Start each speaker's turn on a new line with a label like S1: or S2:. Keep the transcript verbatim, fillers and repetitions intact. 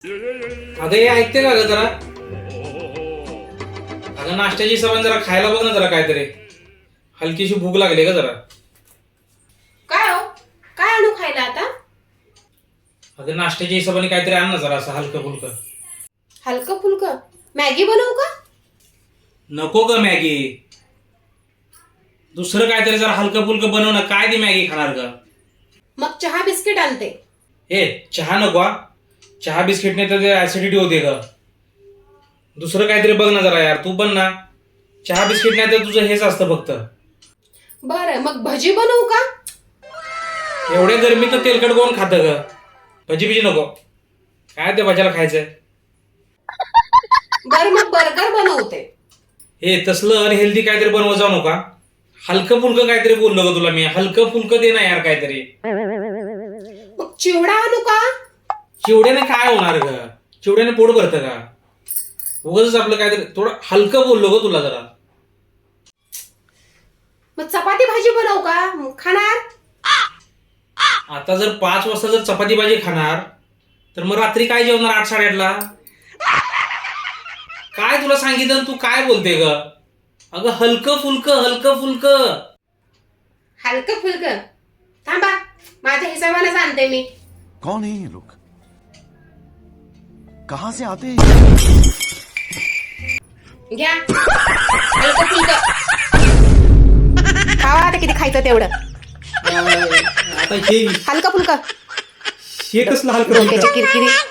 S1: अगं हे ऐकते का ग जरा? अगं नाश्त्याची सवय जरा खायला बघ ना जरा काहीतरी. हलकीशी भूक लागली का जरा.
S2: काय हो काय आणू खायला आता?
S1: अगं नाश्त्याच्या हिशोबाने काहीतरी आण ना जरा असं हलकं फुलकं.
S2: हलकं फुलकं मॅगी बनवू का?
S1: नको ग मॅगी. दुसरं काहीतरी जरा हलकं फुलकं बनव ना. काय ती मॅगी खाणार ग?
S2: मग चहा बिस्किट आणते.
S1: ए चहा नको हा. चहा बिस्किटने तर ऍसिडिटी होते ग. दुसरं काहीतरी बघ ना जरा यार. तू पण ना चहा बिस्किट नाही तर तुझं हेच असतं फक्त.
S2: बरं मग भजी बनवू का?
S1: एवढ्या गरमीत तेलकट कोण खातं ग? भजी बिजी नको. काय ते भाज्याला खायचंय?
S2: बरं मग बर्गर बनवते.
S1: हे तसलं अनहेल्दी काहीतरी बनवत जाऊ नका. हलकं फुलकं काहीतरी बोललो ग तुला मी. हलकं फुलकं दे ना यार काहीतरी.
S2: मग चिवडा आणू का?
S1: चिवड्याने काय होणार ग? चिवड्याने पोट भरतं का? उगाच आपलं काहीतरी थोडं हलकं बोललो ग तुला जरा.
S2: मग चपाती भाजी बनवू का? मग खाणार?
S1: आता जर पाच वाजता जर चपाती भाजी खाणार तर मग रात्री काय जेवणार आठ साडेआठला? काय तुला सांगितलं तू काय बोलते ग? अगं हलकं फुलकं हलकं फुलकं.
S2: हलकं फुलकं थांबा माझ्या हिशोबाने आणते मी.
S3: कौन है ये लोग? कहां से आते हैं?
S2: घ्या हलकं फुलकं. खावा आता किती खायचं तेवढं.
S1: आता हे
S2: हलकं फुलकं
S1: हे कसलं हलकं
S2: डोक्याची
S1: फुलकं?
S2: किरकिरी.